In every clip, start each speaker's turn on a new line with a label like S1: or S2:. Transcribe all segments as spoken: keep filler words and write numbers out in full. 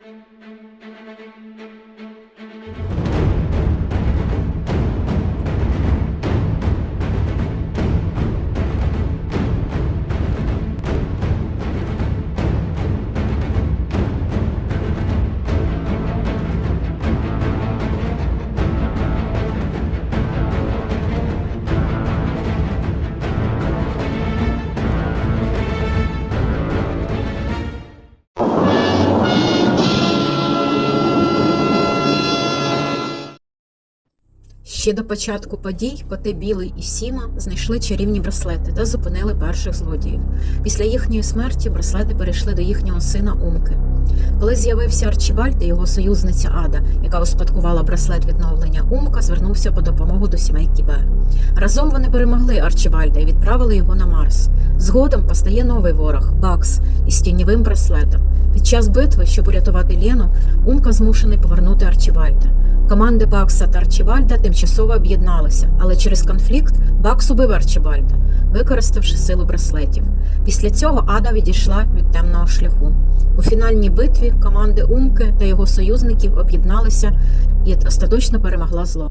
S1: Ще до початку подій коти Білий і Сіма знайшли чарівні браслети та зупинили перших злодіїв. Після їхньої смерті браслети перейшли до їхнього сина Умки. Коли з'явився Арчібальд і його союзниця Ада, яка успадкувала браслет відновлення, Умка звернувся по допомогу до сімейки Б. Разом вони перемогли Арчібальда і відправили його на Марс. Згодом постає новий ворог – Бакс із тіньовим браслетом. Під час битви, щоб урятувати Лену, Умка змушений повернути Арчібальда. Команди Бакса та Арчібальда тимчасово об'єдналися, але через конфлікт Бакс убив Арчібальда, використавши силу браслетів. Після цього Ада відійшла від темного шляху. У фінальній битві команди Умки та його союзників об'єдналися і остаточно перемогла зло.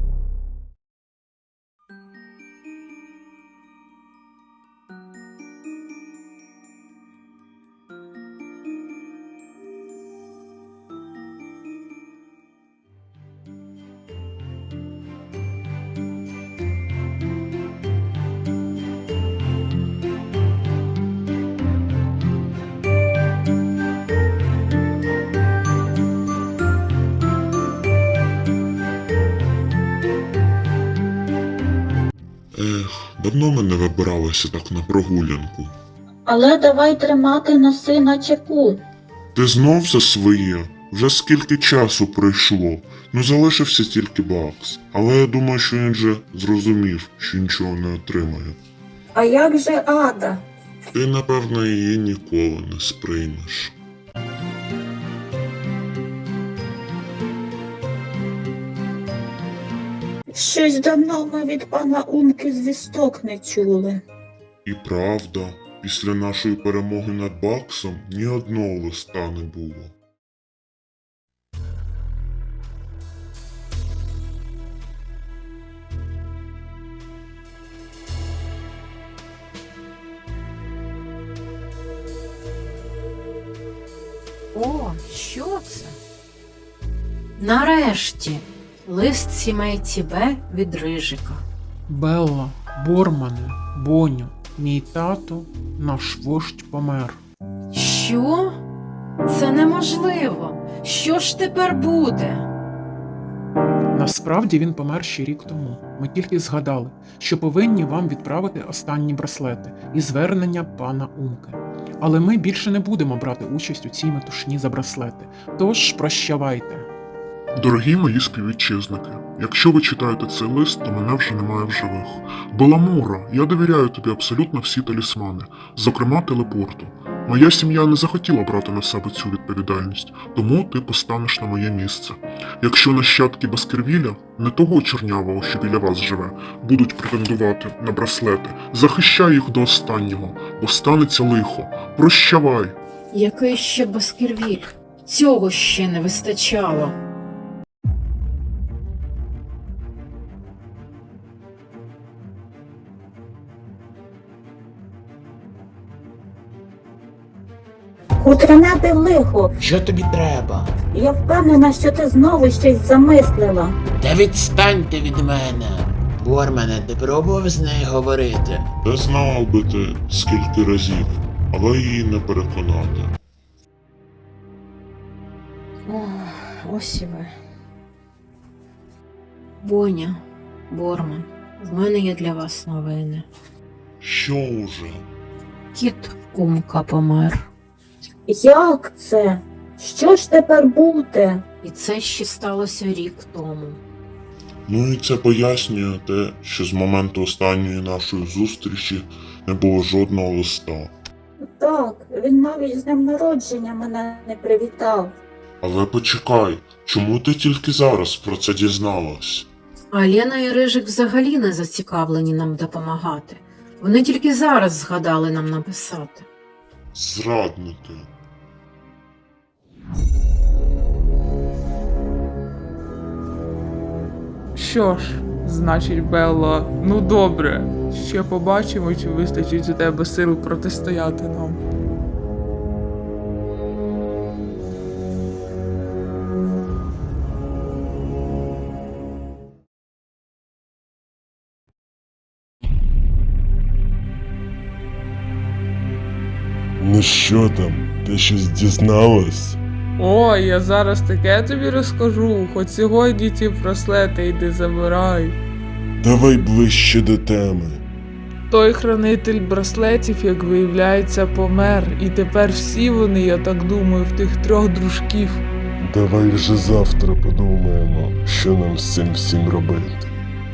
S2: Ех, давно ми не вибиралися так на прогулянку.
S3: Але давай тримати носи на чеку.
S2: Ти знов за своє? Вже скільки часу пройшло. Ну залишився тільки Бакс. Але я думаю, що він вже зрозумів, що нічого не отримає.
S3: А як же Ада?
S2: Ти, напевно, її ніколи не сприймеш.
S3: Щось давно ми від пана Умки звісток не чули.
S2: І правда, після нашої перемоги над Баксом ні одного листа не було.
S1: О, що це? Нарешті! Лист сімейці Б від Рижика.
S4: Белла, Бормане, Боню, мій тато, наш вождь помер.
S1: Що? Це неможливо. Що ж тепер буде?
S4: Насправді він помер ще рік тому. Ми тільки згадали, що повинні вам відправити останні браслети і звернення пана Умки. Але ми більше не будемо брати участь у цій метушні за браслети. Тож прощавайте.
S2: Дорогі мої співвітчизники, якщо ви читаєте цей лист, то мене вже немає в живих. Беламура, я довіряю тобі абсолютно всі талісмани, зокрема телепорту. Моя сім'я не захотіла брати на себе цю відповідальність, тому ти постанеш на моє місце. Якщо нащадки Баскервіля, не того чорнявого, що біля вас живе, будуть претендувати на браслети, захищай їх до останнього, бо станеться лихо. Прощавай!
S1: Який ще Баскервіль? Цього ще не вистачало.
S3: Хутряне лихо.
S5: Що тобі треба?
S3: Я впевнена, що ти знову щось замислила.
S5: Та відстаньте від мене. Бормане, ти пробував з нею говорити?
S2: Та знав би ти скільки разів, але її не переконати.
S1: Ох, ось і ви. Боня, Борман, в мене є для вас новини.
S2: Що уже?
S1: Кіт Умка помер.
S3: Як це? Що ж тепер буде?
S1: І це ще сталося рік тому.
S2: Ну і це пояснює те, що з моменту останньої нашої зустрічі не було жодного листа.
S3: Так, він навіть з днем народження мене не привітав.
S2: Але почекай, чому ти тільки зараз про це дізналась?
S1: А Лена і Рижик взагалі не зацікавлені нам допомагати. Вони тільки зараз згадали нам написати.
S2: Зрадники.
S6: що ж, значить, Белла, ну добре. Ще побачимо, чи вистачить у тебе сил протистояти нам.
S7: Ну що там, ти щось дізналась?
S6: О, я зараз таке тобі розкажу, хоч сьогодні ті браслети йди забирай.
S7: Давай ближче до теми.
S6: Той хранитель браслетів, як виявляється, помер, і тепер всі вони, я так думаю, в тих трьох дружків.
S7: Давай вже завтра подумаємо, що нам з цим всім робити.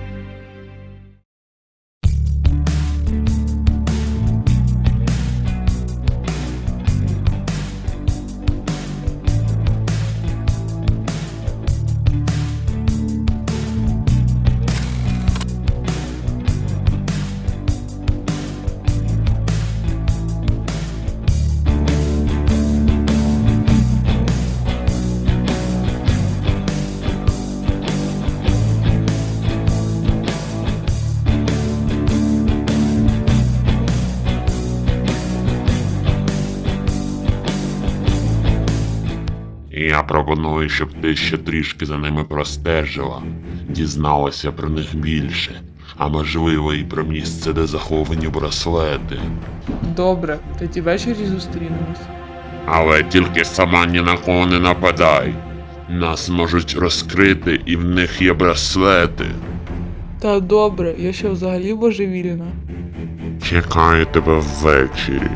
S8: Я пропоную, щоб ти ще трішки за ними простежила, дізналася про них більше, а можливо і про місце, де заховані браслети.
S6: Добре, тоді ввечері зустрінемось.
S8: Але тільки сама ні на кого не нападай. Нас можуть розкрити, і в них є браслети.
S6: Та добре, я ще взагалі божевільна.
S8: Чекаю тебе ввечері.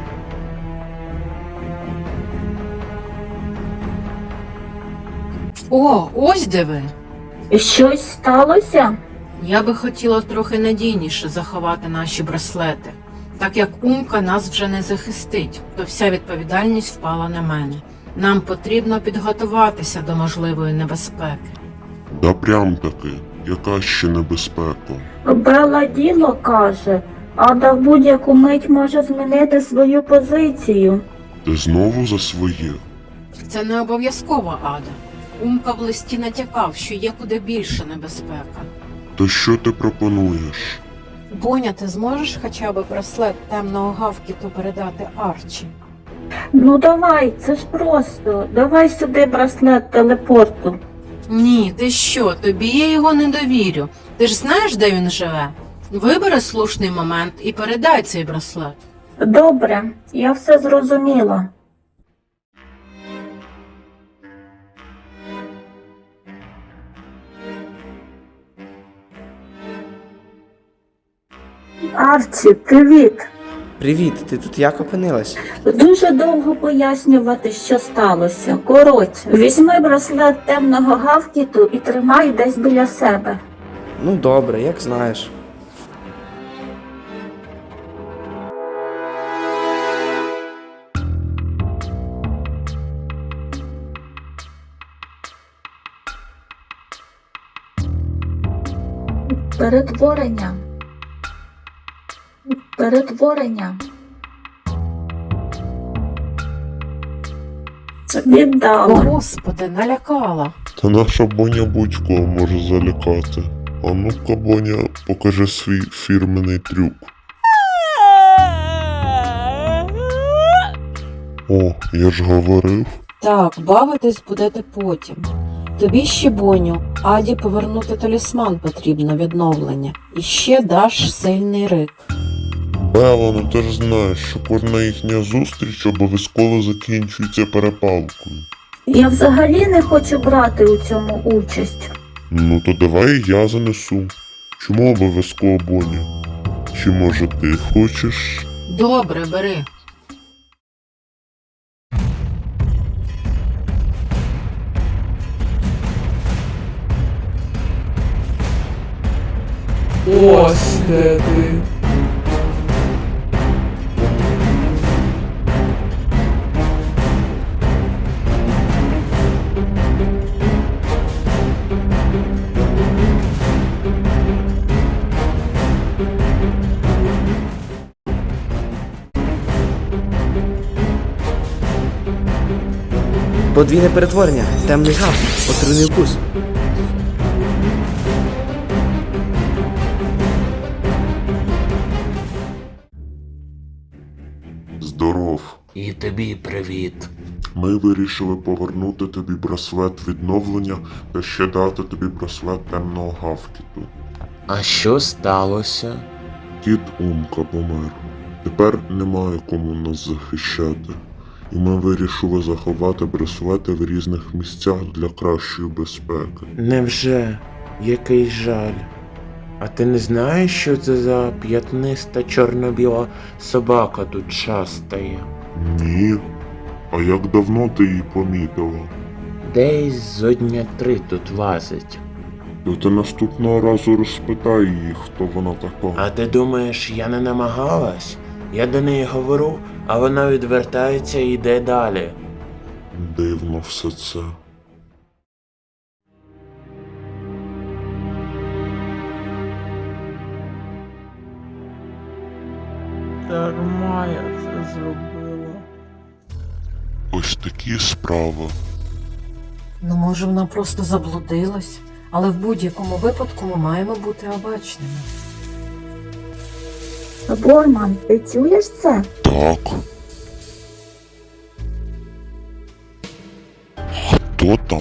S1: О, ось де ви.
S3: Щось сталося?
S1: Я би хотіла трохи надійніше заховати наші браслети. Так як Умка нас вже не захистить, то вся відповідальність впала на мене. Нам потрібно підготуватися до можливої небезпеки.
S2: Да прям таки, яка ще небезпека?
S3: Белла діло каже, Ада в будь-яку мить може змінити свою позицію.
S2: Ти знову за своє?
S1: Це не обов'язково, Ада. Умка в листі натякав, що є куди більше небезпека.
S2: То що ти пропонуєш?
S1: Боня, ти зможеш хоча б браслет темного гавкіту передати Арчі?
S3: Ну давай, це ж просто. Давай сюди браслет телепорту.
S1: Ні, ти що, тобі я його не довірю. Ти ж знаєш, де він живе? Вибери слушний момент і передай цей браслет.
S3: Добре, я все зрозуміла. Арчі, привіт!
S9: Привіт, ти тут як опинилась?
S3: Дуже довго пояснювати, що сталося. Коротше, візьми браслет темного гавкіту і тримай десь біля себе.
S9: Ну добре, як знаєш.
S3: Перетворення. Перетворення.
S1: О,
S3: Віддала.
S1: Господи, налякала.
S2: Та наша Боня будь-кого може залякати. А ну-ка, Боня, покажи свій фірменний трюк. О, я ж говорив.
S1: Так, бавитись будете потім. Тобі ще, Боню, Аді повернути талісман потрібно відновлення. І ще даш сильний рик.
S2: Белла, ну ти ж знаєш, що кожна їхня зустріч обов'язково закінчується перепалкою.
S3: Я взагалі не хочу брати у цьому участь.
S2: Ну то давай я занесу. Чому обов'язково Боня? Чи може ти хочеш?
S1: Добре, бери.
S6: Ось де ти.
S9: Подвійне перетворення, темний гав, отруйний укус.
S5: тобі привіт.
S2: Ми вирішили повернути тобі браслет відновлення та ще дати тобі браслет темного гавкіту.
S5: А що сталося?
S2: Кіт Умка помер. Тепер немає кому нас захищати. І ми вирішили заховати браслети в різних місцях для кращої безпеки.
S5: Невже? Який жаль. А ти не знаєш, що це за п'ятниста чорно-біла собака тут шастає?
S2: Ні. А як давно ти її помітила?
S5: Десь зо дня три тут лазить.
S2: То ти наступного разу розпитай її, хто вона така.
S5: А ти думаєш, я не намагалась? Я до неї говорю, а вона відвертається і йде далі.
S2: Дивно все це.
S6: Дарма я це зробила.
S2: Ось такі справи.
S10: Ну, може, вона просто заблудилась, але в будь-якому випадку ми маємо бути обачними.
S3: Борман, ти чуєш це?
S2: Так. Хто там?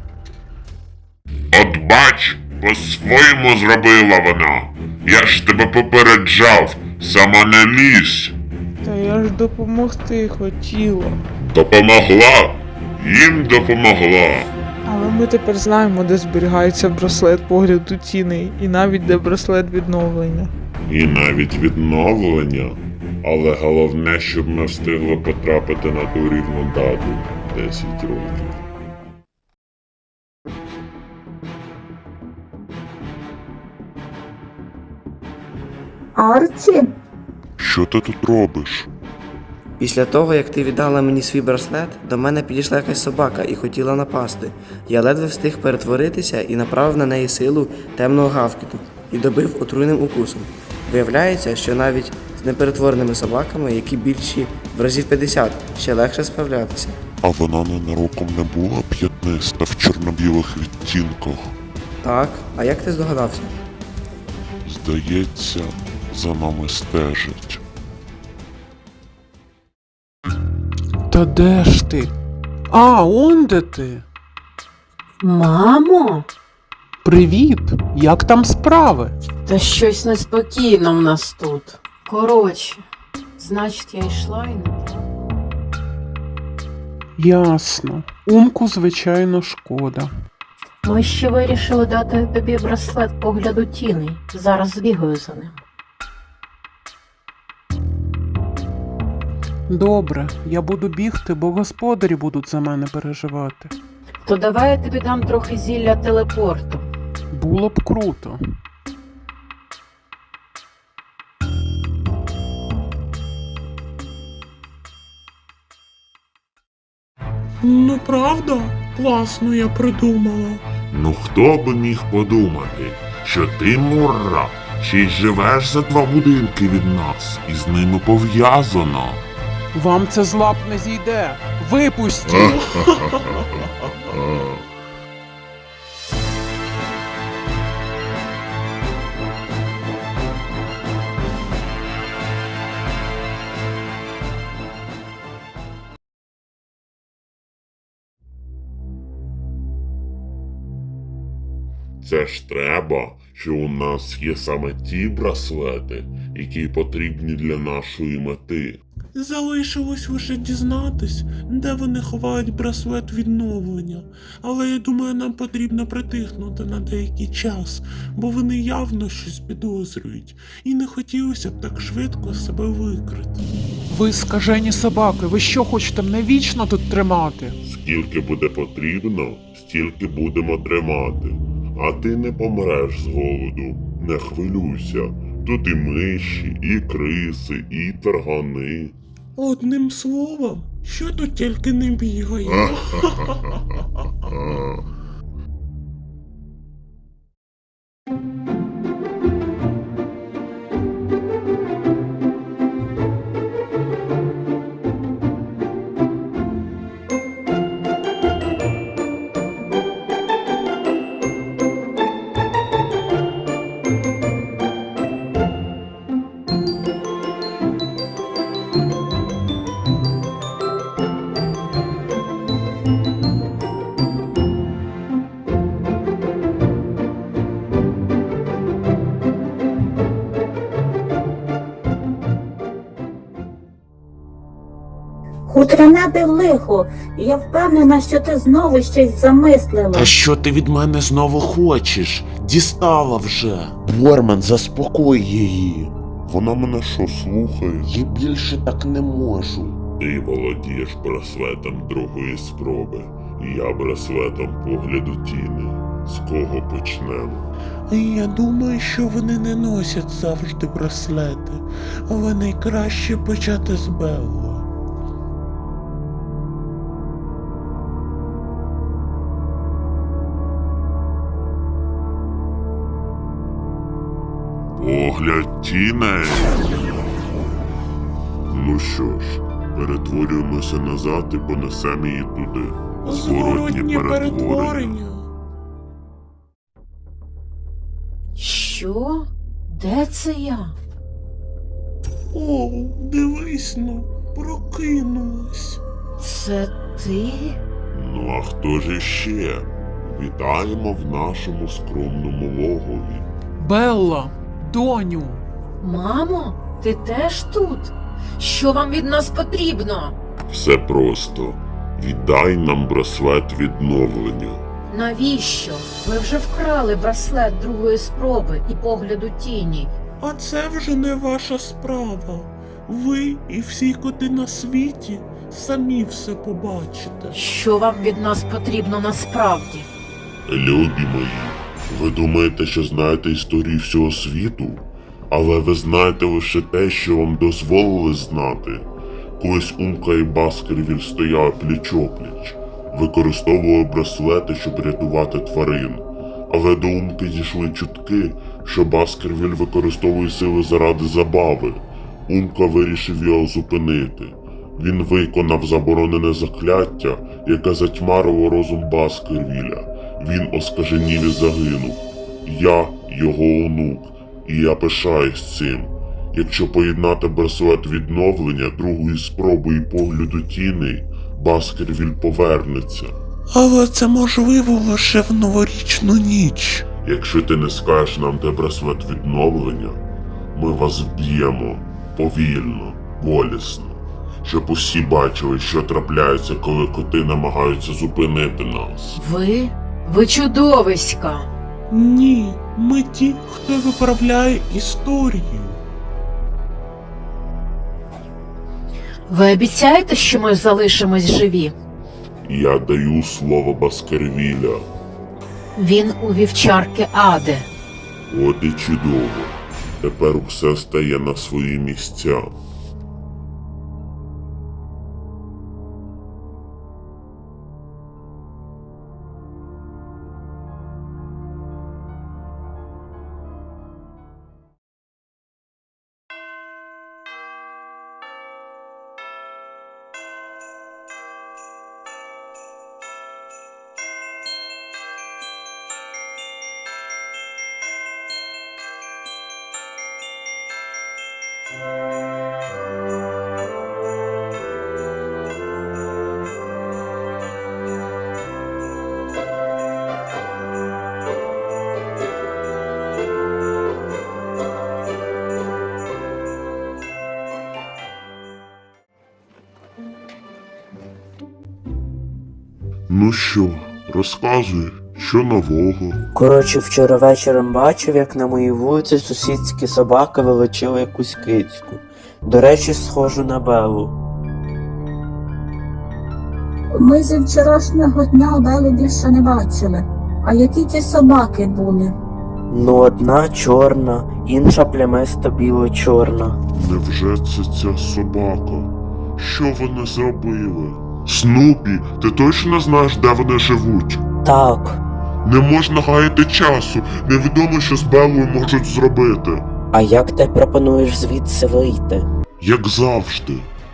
S8: От бач, по-своєму зробила вона. Я ж тебе попереджав, сама не лізь.
S6: Та я ж допомогти хотіла.
S8: Допомогла, їм допомогла.
S6: Але ми тепер знаємо, де зберігається браслет погляду тіней, і навіть де браслет відновлення.
S8: І навіть відновлення. Але головне, щоб ми встигли потрапити на ту рівну дату десять років.
S3: Арчі?
S2: Що ти тут робиш?
S9: Після того, як ти віддала мені свій браслет, до мене підійшла якась собака і хотіла напасти. Я ледве встиг перетворитися і направив на неї силу темного гавкіту і добив отруйним укусом. Виявляється, що навіть з неперетвореними собаками, які більші в разів п'ятдесят, ще легше справлятися.
S2: А вона ненароком не була п'ятниста в чорно-білих відтінках.
S9: Так, а як ти здогадався?
S2: Здається, за нами стежить.
S4: Та де ж ти? А, он де ти?
S10: Мамо,
S4: Привіт! Як там справи?
S10: та щось неспокійно в нас тут. Коротше, значить, я йшла і не та.
S4: Ясно. Умку, звичайно, шкода.
S10: Ми ще вирішили дати тобі браслет погляду тіней. Зараз збігаю за ним.
S4: Добре, я буду бігти, бо господарі будуть за мене переживати.
S10: То давай я тобі дам трохи зілля телепорту.
S4: Було б круто.
S11: Ну правда? Класно я придумала.
S8: Ну хто би міг подумати, що ти, Мурра, ще й живеш за два будинки від нас, і з ними пов'язано.
S4: Вам це з лап не зійде. Випустіть!
S8: Це ж треба, що у нас є саме ті браслети, які потрібні для нашої мети.
S11: Залишилось лише дізнатись, де вони ховають браслет відновлення. Але я думаю, нам потрібно притихнути на деякий час, бо вони явно щось підозрюють, і не хотілося б так швидко себе викрити.
S4: Ви скажені собаки, ви що хочете мене вічно тут тримати?
S8: Скільки буде потрібно, стільки будемо тримати. А ти не помреш з голоду, не хвилюйся. Тут і миші, і криси, і таргани.
S11: Одним словом, що тут тільки не бігає.
S3: Хутряне де лихо, і я впевнена, що ти знову щось замислила.
S5: Та що ти від мене знову хочеш? Дістала вже. Борман, заспокой її.
S8: Вона мене що слухає?
S5: Я більше так не можу.
S8: Ти володієш браслетом другої спроби. Я браслетом погляду тіни. З кого почнемо?
S11: Я думаю, що вони не носять завжди браслети, але найкраще почати з Белла.
S8: Погляд тіней. Ну що ж, перетворюємося назад і понесемо її туди.
S11: Зворотнє перетворення.
S10: Що? Де це я?
S11: О, дивись ну, прокинулась.
S10: Це ти?
S8: Ну а хто ж іще? Вітаємо в нашому скромному логові.
S4: Белла, доню!
S10: Мамо, ти теж тут? Що вам від нас потрібно?
S8: Все просто. Віддай нам браслет відновлення.
S10: Навіщо? Ви вже вкрали браслет другої спроби і погляду тіні.
S11: А це вже не ваша справа. Ви і всі коти на світі самі все побачите.
S10: Що вам від нас потрібно насправді?
S8: Любі мої, ви думаєте, що знаєте історію всього світу? Але ви знаєте лише те, що вам дозволили знати. Колись Умка і Баскервіль стояли пліч-опліч, використовували браслети, щоб рятувати тварин. Але до Умки дійшли чутки, що Баскервіль використовує сили заради забави. Умка вирішив його зупинити. Він виконав заборонене закляття, яке затьмарило розум Баскервіля. Він оскаженів і загинув. Я його онук, і я пишаюсь цим. Якщо поєднати браслет відновлення, другої спроби і погляду тіней, Баскервіль повернеться.
S11: Але це можливо лише в новорічну ніч.
S8: Якщо ти не скажеш нам, де браслет відновлення, ми вас вб'ємо повільно, болісно, щоб усі бачили, що трапляється, коли коти намагаються зупинити нас.
S10: Ви? Ви чудовиська!
S11: Ні, ми ті, хто виправляє історію.
S10: Ви обіцяєте, що ми залишимось живі?
S8: Я даю слово Баскервіля.
S10: Він у вівчарки Аде.
S8: От і чудово. Тепер все стає на свої місця. Ну що, розказуй, що нового?
S9: Коротше, вчора вечором бачив, як на моїй вулиці сусідські собаки вилучили якусь кицьку. До речі, схожу на Беллу.
S3: Ми зі вчорашнього дня Белу більше не бачили. А які ті собаки були?
S9: Ну, одна чорна, інша плямисто біло-чорна.
S8: Невже це ця собака? Що вони зробили? Снупі, ти точно знаєш, де вони живуть?
S9: Так,
S8: Не можна гаяти часу, невідомо, що з Беллою можуть зробити.
S9: а як ти пропонуєш звідси вийти?
S8: Як завжди.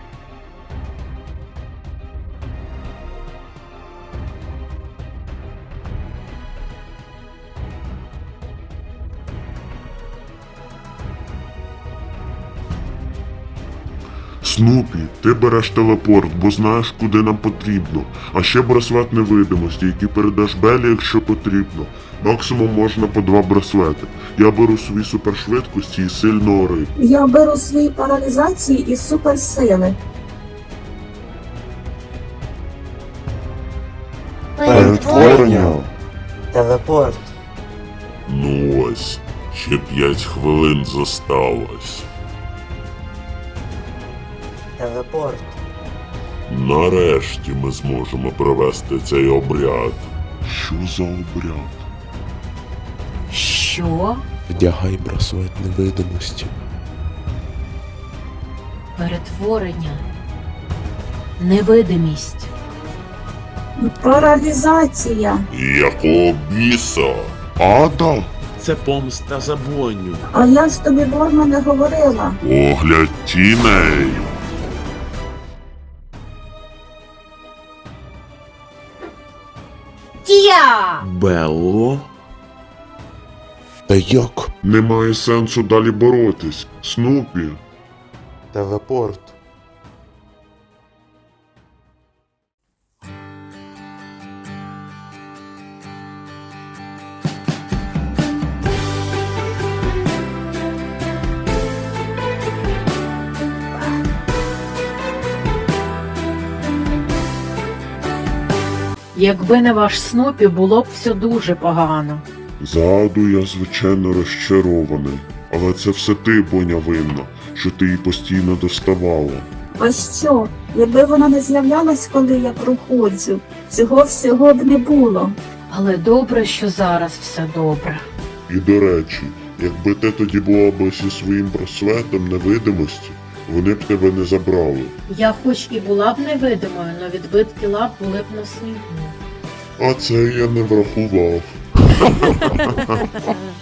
S8: Снупі, ти береш телепорт, бо знаєш, куди нам потрібно. А ще браслет невидимості, який передаш Беллі, якщо потрібно. Максимум можна по два браслети. Я беру свої супершвидкості і сильного риб.
S3: Я беру свої паралізації і суперсили.
S5: Перетворення.
S9: Телепорт.
S8: Ну ось, ще п'ять хвилин зосталось.
S9: Телепорт.
S8: Нарешті ми зможемо провести цей обряд.
S2: Що за обряд?
S1: Що?
S5: Вдягай браслет невидимості.
S1: Перетворення. Невидимість.
S3: Паралізація.
S8: Якого біса?
S2: Ада?
S11: Це помста за Боню.
S3: А я ж тобі Борма не говорила.
S8: Огляд тіней.
S11: Белло?
S5: Та як?
S2: Немає сенсу далі боротись. Снупі.
S5: Телепорт.
S1: Якби не ваш Снупі, було б все дуже погано.
S2: Заду я, звичайно, розчарований. Але це все ти, Боня, винна, що ти її постійно доставала.
S3: А що? Якби вона не з'являлась, коли я проходжу, цього всього б не було.
S1: Але добре, що зараз все добре.
S2: І до речі, якби ти тоді була б зі своїм браслетом невидимості, вони б тебе не забрали.
S1: Я хоч і була б невидимою, но відбитки лап були б на снігу.
S2: А це я не врахував.